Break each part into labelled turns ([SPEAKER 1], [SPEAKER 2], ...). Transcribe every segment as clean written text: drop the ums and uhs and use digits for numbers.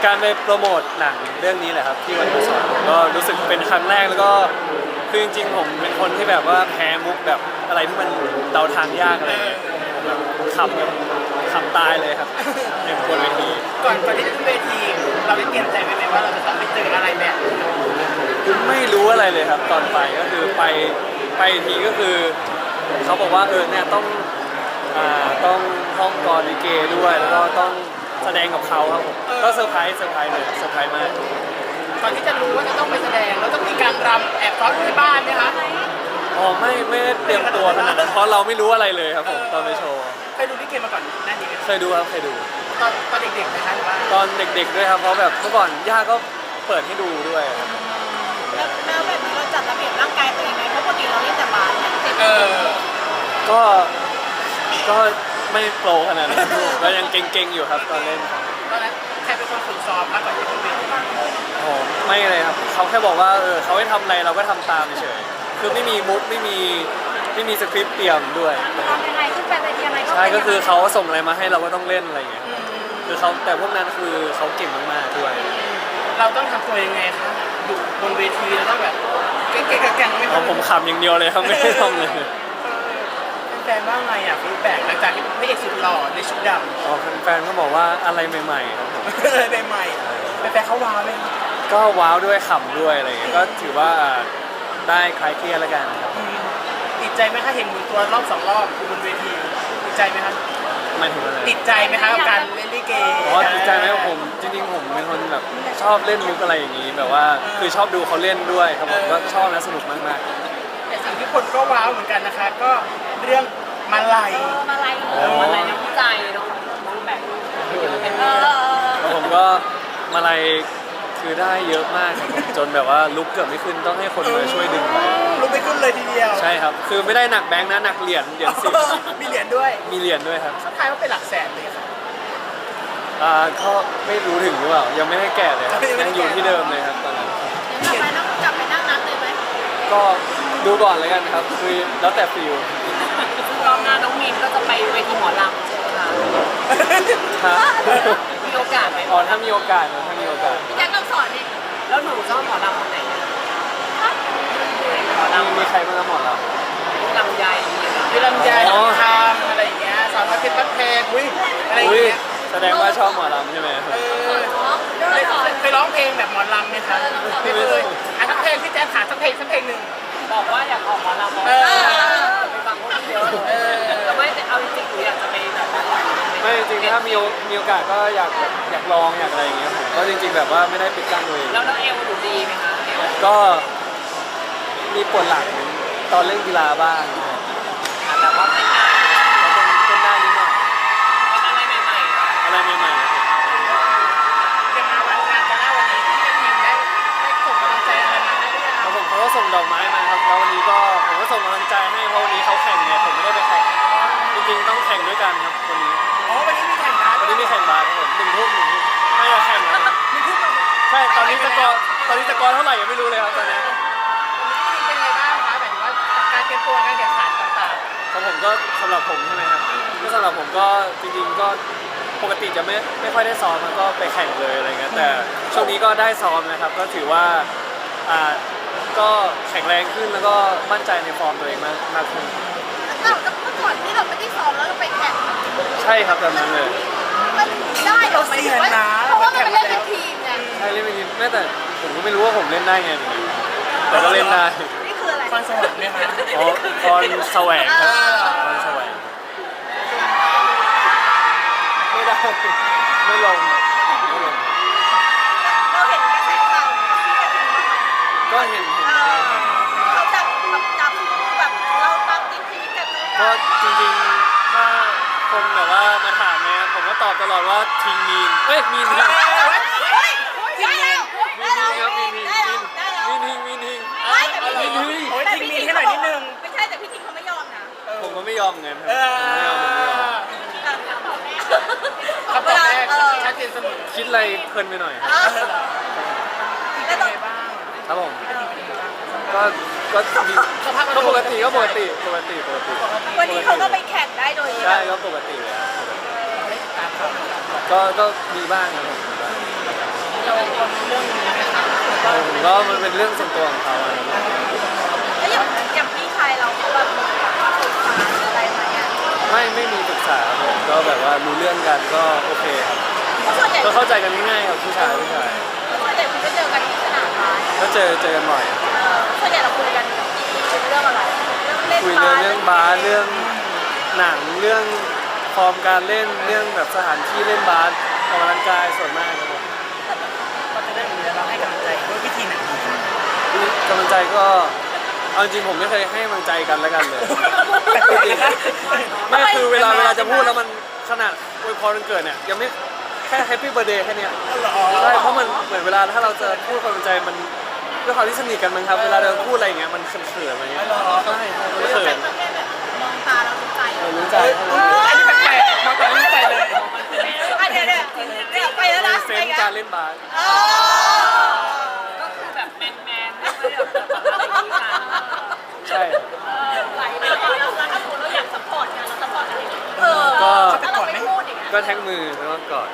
[SPEAKER 1] การไปโปรโมทหนังเรื่องนี้แหละครับที่วันดูสอนผมก็รู้สึกเป็นครั้งแรกแล้วก็คือจริงๆผมเป็นคนที่แบบว่าแพ้มุกแบบอะไรที่มันเดาทางยากอะไรเงี้ยผมแบบขำตายเลยครับในบนเวที
[SPEAKER 2] ก่อนที่จะขึ้นเวทีเราได้เตรียมใจไว้ไหมว่าเราจะต้องไปเจออะไรแบบนี้
[SPEAKER 1] ไม่รู้อะไรเลยครับตอนไปก็คือไปทีก็คือเขาบอกว่าเนี่ยต้องท่องกลอนลิเกด้วยแล้วก็ต้องแสดงกับเขาครับผมก็เซอร์ไพรส์เลยเซอร์ไพรส์มาก
[SPEAKER 2] ก่อนที่จะรู้ว่าจะต้องไปแสดงเราต้องมีการรำแอบซ้อนที่บ้านไหมคะ
[SPEAKER 1] อ๋อไม่ได้เตรียมตัวขนาดนั้นเพราะเราไม่รู้อะไรเลยครับผมตอนไปโชว์
[SPEAKER 2] เคยดูลิเกมาก่อนหน้านี้ไหม
[SPEAKER 1] เคยดูครับเคยดู
[SPEAKER 2] ตอนเด็กๆนะคะหรือว่า
[SPEAKER 1] ตอนเด็กๆด้วยครับเพราะแบบเมื่อก่อนย่าก็เปิดให้ดูด้วยครับ
[SPEAKER 3] แล้วแบบนี้เราจัดระเบียบร่างกายตัวเองไหมเพราะปกติเราเล่นแต่บาสเนี่ย
[SPEAKER 2] เออ
[SPEAKER 1] ก็ไม่โปรขนาดนั้นก็ยังเก่งๆอยู่ครับตอนเล่นครับ
[SPEAKER 2] ตอนนั้นใครเป็นคนฝึกซ้อมมากกว่าที่ขึ้นเวที
[SPEAKER 1] โอ้ไม่เลยครับเขาแค่บอกว่าเขาให้ทำอะไรเราก็ทำตามเฉยๆคือไม่มีมุดไม่มีสคริปต์เตรียมด้วย
[SPEAKER 3] ทำยังไงขึ้นไปเวทีอะไรก็
[SPEAKER 1] ใช่ก็คือเขาส่งอะไรมาให้เราก็ต้องเล่นอะไรอย่างเงี้ยคือเขาแต่พวกนั้นคือเขาเก่งมากๆด้วย
[SPEAKER 2] เราต้องทำตัวยังไงคะอยู่บนเวทีเราต้องแบบเก่งๆแกร่งๆไหม
[SPEAKER 1] เพราะผมขำอย่างเดียวเลยครับไม่ได้ทำเลย
[SPEAKER 2] แฟนว่าไงอ่ะฟีดแบ็กหลังจากที่พระเอกสุดหล่อในชุดด
[SPEAKER 1] อ๋อแฟนๆก็บอกว่าอะไรใหม่ๆครับผม
[SPEAKER 2] ำใหม่ๆแฟนเขาว้าวไหมคะ
[SPEAKER 1] ก็ว้าวด้วยขำด้วยอะไรอย่างเงี้ยก็ถือว่าได้คลายเครียดแล้วกันครับ
[SPEAKER 2] ติดใจไหมคะเห็นหมุนตัวรอบ2 รอบอยู่บนเวทีติดใจไหมคะ
[SPEAKER 1] หมายถึงอะไร
[SPEAKER 2] ติดใจไหมคะกับการเล่นลิเก
[SPEAKER 1] อ๋อติดใจไหมผมจริงๆผมเป็นคนแบบชอบเล่นมุกอะไรอย่างงี้แบบว่าคือชอบดูเขาเล่นด้วยครับผมก็ชอบและสนุกมาก
[SPEAKER 2] แต่สิ่งที่คนก็ว้าวเหมือนกันนะคะ ก็เรื่องมาลัย
[SPEAKER 3] มาอะไร
[SPEAKER 4] มันอะไรน้ำใจเนาะน้องแบบ
[SPEAKER 1] ๆแล้วผมก็มาลัยคือได้เยอะมากครับผมจนแบบว่าลุกเกือบไม่ขึ้นต้องให้คนมาช่วยดึงไป
[SPEAKER 2] ลุกไม่ขึ้นเลยทีเดียว
[SPEAKER 1] ใช่ครับคือไม่ได้หนักแบงค์นะหนักเหรียญสิบ
[SPEAKER 2] มีเหรียญด้วย
[SPEAKER 1] มีเหรียญด้วยครับ
[SPEAKER 2] เขาทายว่าเป็นหลักแสนเลยค่ะ
[SPEAKER 1] ก็ไม่รู้ถึงหรือเปล่ายังไม่ได้แก่เลยครับ
[SPEAKER 2] ยังไม่ได้
[SPEAKER 1] ยังอยู่
[SPEAKER 2] แกะ
[SPEAKER 1] ที่เดิมเลยครับตอนนั้น
[SPEAKER 3] กลับไปนั่งนับเลยไหม
[SPEAKER 1] ก็ดูก่อนเลยกันครับคือแล้วแต่ฟิล
[SPEAKER 4] รอบหน้าน้องมีนก็จะไปเวทีหมอลำใช่ไหมคะ
[SPEAKER 1] ฮะ
[SPEAKER 4] มีโอกาสไหม
[SPEAKER 1] อ๋อถ้ามีโอกาสนะถ้ามีโอกาส
[SPEAKER 3] พี่แจ็คต้องสอนดิ
[SPEAKER 4] แล้วหนูชอบหมอลำคนไหนอะหมอลำ
[SPEAKER 1] มีใครบ้างครับหมอเรา
[SPEAKER 4] ลำไยอย่างเงี้ย
[SPEAKER 2] มีลำไย
[SPEAKER 1] อ๋อ
[SPEAKER 2] ทำอะไรอย่างเงี้ยสาวน้อยเพชรบ้านแพงอุ้ยอะไรอย่าง
[SPEAKER 1] อุ้ย
[SPEAKER 2] เงี้ย
[SPEAKER 1] แสดงว่าชอบหมอลำใช่ไหม
[SPEAKER 2] เคยร้องเพลงแบบหมอลำไหมคะไม่เคยอ่ะสักเพลงพี่แจ๊คขาสักเพลงหนึ่ง
[SPEAKER 4] บอกว่าอยากออกหมอลำ
[SPEAKER 2] เออ
[SPEAKER 4] ไปฟังคนเยอะแต่ไม่แต่เอาจริงๆหนูอยากจะไปแบบ
[SPEAKER 1] ไม่จริงๆถ้ามีโอกาสก็อยากลองอยากอะไรอย่างเงี้ยผมก็จริงๆแบบว่าไม่ได้ปิดกั้นตัวเอง
[SPEAKER 4] แล้วเอวหนูดีไหมคะเอว
[SPEAKER 1] ก็มีปวดหลังตอนเล่นกีฬาบ้าง
[SPEAKER 4] แบบว่าเป็นงาน
[SPEAKER 1] เป็นได้นิดหน่อย
[SPEAKER 4] เป็นอะไรใหม่ๆเนาะ
[SPEAKER 1] อะไรใหม่ๆครับ
[SPEAKER 2] จะมาวันงานจะหน้าวันนี้พี่ทีมได้ส่งกำลังใจอะไรมาให้หรือยัง
[SPEAKER 1] แล้วผมเขาก็ส่งดอกไม้มาครับแล้ววันนี้ก็ผมก็ส่งกำลังใจให้เพราะวันนี้เขาแข่งไงผมไม่ได้ไปแข่งจริงๆต้องแข่งด้วยกันครับวันนี้
[SPEAKER 2] อ๋อวันนี้มีแข่งบาส
[SPEAKER 1] วันนี้มีแข่งบาสครับผม1 ทุ่มไม่จะแข่งแล้วนะ
[SPEAKER 2] มีทุ่มมา
[SPEAKER 1] ใช่ตอนนี้สกอร์เท่าไหร่ยังไม่รู้เลยครับตอนนี้
[SPEAKER 2] เป็นไงบ้างคะหมายถึงว่าการเตรียมตัวการแข่งขันต่าง
[SPEAKER 1] ของผมก็สำหรับผมใช่ไหมครับก็สำหรับผมก็จริงๆก็ปกติจะไม่ค่อยได้ซ้อมมันก็ไปแข่งเลยอะไรเงี้ยแต่ช่วงนี้ก็ได้ซ้อมนะครับก็ถือว่าก็แข็งแรงขึ้นแล้วก็มั่นใจในฟอร์มตัวเองมากขึ้น
[SPEAKER 3] เราเมื่อก่อนที่เราไม่ได้ซ้อมแล้วเราไปแข่ง
[SPEAKER 1] ใช่ครับแบบนั้นเลย
[SPEAKER 3] มันได้เหรอหมายถึงว่าเพราะว่ามันเป็นเล่นเป็นทีมไง
[SPEAKER 1] ใช่เล่นเป็นทีมแม้แต่ผมก็ไม่รู้ว่าผมเล่นได้ไงเหมือนกันแต่ก็เล่นได้
[SPEAKER 3] นี่คืออะไร
[SPEAKER 2] ๆฟันสวรรค์ไหมคะ
[SPEAKER 1] อ๋อพรแสวงครับพรแสวงไม่ได้ไม่ลง
[SPEAKER 3] เราเห็นกระแสข่าว
[SPEAKER 1] ก็เห็น
[SPEAKER 3] เขาจับแบบเราตามติดชีวิตกันเลย
[SPEAKER 1] ก็จริงๆถ้าคนแบบว่ามาถามเนี่ยผมก็ตอบตลอดว่าทิ้งมีนมีนครับ
[SPEAKER 3] ได้แล้วได้แล้ว
[SPEAKER 1] มีน
[SPEAKER 3] ได้แล้วได้แล้ว
[SPEAKER 1] มีนทิ้ง
[SPEAKER 3] ไม่แต่พี่
[SPEAKER 1] มี
[SPEAKER 3] ทิ้ง
[SPEAKER 1] น
[SPEAKER 2] โอ้ยทิ้งมีให้หน่อยนิดนึง
[SPEAKER 3] ไม่ใช่แต่พี่ทิ้งเขาไม่ยอมนะ
[SPEAKER 1] ผมก็ไม่ยอมเงินครับ
[SPEAKER 2] เออ
[SPEAKER 1] ผมไม่ยอม
[SPEAKER 2] คำตอบแรกชัดเจนเสมอ
[SPEAKER 1] คิดอะไรเพลินไปหน่อยครับ
[SPEAKER 2] เป็นไงบ้าง
[SPEAKER 1] ครับผมก็ดีก็ปกติปกติ
[SPEAKER 3] วันนี้เขาก็ไปแข่งได้โดย
[SPEAKER 1] ใช่ก็ปกติเลยก็ดีบ้างครับผมดีบ้าง
[SPEAKER 2] เราคนเรื่องนี้ไหมคะ
[SPEAKER 1] ผมก็มันเป็นเรื่องส่วนตัวของเขาอะครับ
[SPEAKER 3] แล้วอย่างพี่ชายเราเขาแบบมีแบบปรึกษาอะไรไหมอ่ะ
[SPEAKER 1] ไม่มีปรึกษาครับผมก็แบบว่ารู้เรื่องกันก็โอเคครับ
[SPEAKER 3] ส่วนใหญ่
[SPEAKER 1] ก็เข้าใจกันง่ายๆครับผู้ชาย
[SPEAKER 3] ส่วนใหญ่คุณก็เจอกันที่สนามบาส
[SPEAKER 1] ก็เจอกันบ่อย
[SPEAKER 3] ส่วนใหญ่เราคุยกันเรื่องอะไรเรื่องเล่น
[SPEAKER 1] คุย
[SPEAKER 3] บาส
[SPEAKER 1] เรื่องบาสเรื่องหนังเรื่องฟอร์มการเล่นเรื่องแบบสถานที่เล่นบาสออกกำลังกายส่วนมากครับผม
[SPEAKER 2] ก็จะได้รู้แล้วเราให้กำลังใจด้วยวิธีไหนดีคะ
[SPEAKER 1] กำลังใจก็เอาจริงผมไม่เคยให้กำลังใจกันแล้วกันเลยจริงไม่คือเวลาจะพูดแล้วมันขนาดอวยพรวันเกิดเนี่ยยังไม่แค่แฮปปี้เบ t ร์ a เดย์แค่เนี้ยใช่เพราะมันเหมือนเวลาถ้าเราจะพูดความในใจมันด้วยความที่สนิทกันมั้งครับเวลาเราพูดอะไรอย่างเงี้ยมันเขินๆอะไรเงี้ยใช่มันเขิน
[SPEAKER 3] ประเภทแบบมองตาเรารู้ใจ
[SPEAKER 1] รู้ใจ
[SPEAKER 2] อันนี้แปลกๆมองตาไม่ใจเลย
[SPEAKER 3] อ่ะเดี๋ยวไปแล้วนะ
[SPEAKER 1] เซนส์การเล่นบาส
[SPEAKER 4] ก็คือแบบแมนไม่ค่อยแบบอะไรอย่างนี้กัน
[SPEAKER 1] ใช่
[SPEAKER 3] ไหลไปแล้วถ้าสมมติเราอยากซัพพอร์ตกันเราซัพพอร์ตกันยังไงถ้าเราไม่พูดอย่างเงี้ย
[SPEAKER 1] ก็แท็กมือแล้วก็กอด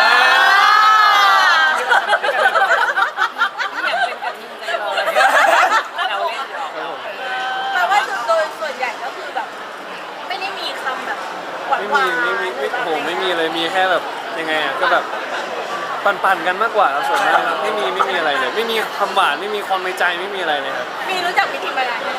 [SPEAKER 4] ไม่อยากเป็นกระทิงใจร้อนเราเล่นหรอก
[SPEAKER 1] ครับผม
[SPEAKER 3] แปลว่าโดยส่วนใหญ่ก็คือแบบ ไม่ได้มีคำแบบหวาน
[SPEAKER 1] ไม่
[SPEAKER 3] หวาน
[SPEAKER 1] มีโอ้โหไม่มีเลยมีแค่แบบยังไงอ่ะก็แบบปั่นๆกันมากกว่าครับส่วนมากครับไม่มีอะไรเลย ไม่มีคำหวานไม่มีความในใจไม่มีอะไรเลยครับ
[SPEAKER 3] มีรู้จักพิธีมานาน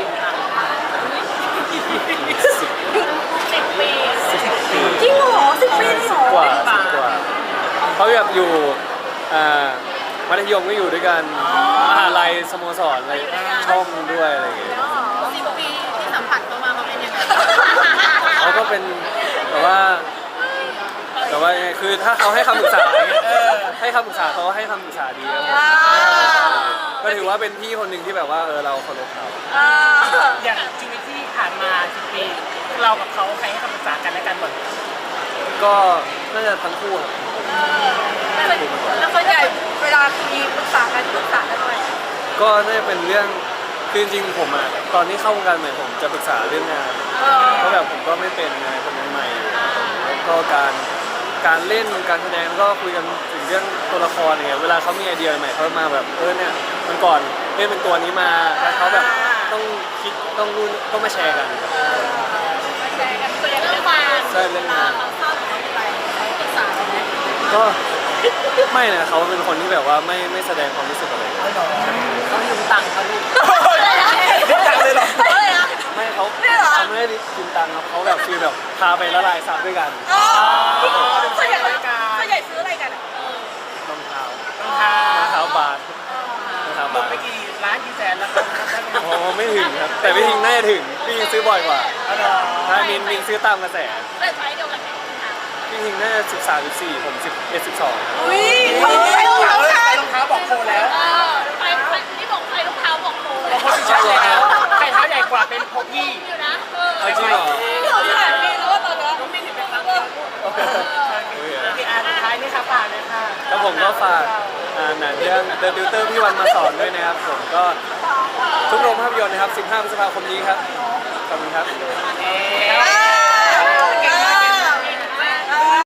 [SPEAKER 3] 10 ปี
[SPEAKER 1] 10 ปี
[SPEAKER 3] จริงเหรอ10 ปีเลยเหรอ
[SPEAKER 1] 10 กว่าเขาแบบอยู่มัธยมก็อยู่ด้วยกันมหาลัยสโมสรอะไรช่องด้วยอะไรอย่างเงี้ย
[SPEAKER 3] 10 ปีที่สัมผัสเขามาเขาเป็นยังไง
[SPEAKER 1] เขาก็เป็นแต่ว่ายังไงคือถ้าเขาให้คำปรึกษาอย่างเงี้ยให้คำปรึกษาเขาให้คำปรึกษาดีครับผมก็ถือว่าเป็นพี่คนหนึ่งที่แบบว่าเราเคารพเขา
[SPEAKER 2] อย่างชีวิตที่ผ่านมา10 ปีเรากับเขาใครให้คำปรึกษากันและกันบ่อย
[SPEAKER 1] ก็น่าจะทั้งคู่ครับ
[SPEAKER 3] แล้วส่วนใหญ่เวลามีปรึกษากันด้วย
[SPEAKER 1] ก็น่าจะเป็นเรื่องคือจริงๆผมตอนที่เข้าวงการใหม่ผมจะปรึกษาเรื่องงานเพราะแบบผมก็ไม่เป็นไงผมยังใหม่อยู่แล้วก็การเล่นการแสดงก็คุยกันถึงเรื่องตัวละครอย่างเงี้ยเวลาเขามีไอเดียใหม่เขามาแบบเนี่ยมันก่อนเล่นเป็นตัวนี้มาแล้วเขาแบบต้องคิดต้องนู่นต้องมาแชร์กัน
[SPEAKER 3] แชร์กันส่วนใหญ่เรื่องงาน
[SPEAKER 1] ใช่เรื่องงาน
[SPEAKER 3] เขาชอบอะไรเขาปรึกษาเราไหม
[SPEAKER 1] ก็ไม่นะเขาเป็นคนที่แบบว่าไม่แสดงความรู้สึกอะไร
[SPEAKER 4] เขายืมตังค์เขาลูก
[SPEAKER 2] จังเลยเหรอ
[SPEAKER 1] ไม่เขาไม่ได้กินตังค์ครับเขาแบบฟีลแบบพาไปละลายซับด้วยกัน
[SPEAKER 3] ส่วนใหญ่ซื้ออะไรกันอ่ะ
[SPEAKER 1] รองเท้าร
[SPEAKER 2] องเท้าร
[SPEAKER 1] องเท้าบาสรองเท้า
[SPEAKER 2] หม
[SPEAKER 1] บา
[SPEAKER 2] ด
[SPEAKER 1] ส
[SPEAKER 2] ไปกี่ล้านกี่แสนแล้วครับได้ไหม
[SPEAKER 1] โอ้ไม่ถึงครับแต่พี่ทิงน่าจะถึงพี่ทิงซื้อบ่อยกว่า
[SPEAKER 2] อ๋อเหรอ
[SPEAKER 1] ถ้ามินซื้อตามกระแส
[SPEAKER 3] แต่ใช้เดียวกันไหม
[SPEAKER 1] พี่ทิงน่าจะ13 14ผม11 12
[SPEAKER 3] อุ้ย
[SPEAKER 2] ใส่รองเท้าบอกโคแล้ว
[SPEAKER 3] ใครที่บอกใครรองเท้าบอกโอ้
[SPEAKER 2] บอกโคที่ใช่แล้วใครเท้าใหญ่กว่าเป็นโคพี่
[SPEAKER 3] อยู่นะ
[SPEAKER 1] เอาจริงเหรอ
[SPEAKER 3] เราถ่ายมีแล้วว่าตอนนี้ไม่ถึงเป็นครั้งเดียว
[SPEAKER 2] โอเคสุดท้ายนี่ค่ะฝากเลยค่ะ
[SPEAKER 1] แล้วผมก็ฝากหนังเรื่อง The Tutor พี่วันมาสอนด้วยนะครับผมก็ทุกโรงภาพยนตร์นะครับ15 พฤษภาคมนี้ครับขอบคุณครับ
[SPEAKER 2] เอ๊ะ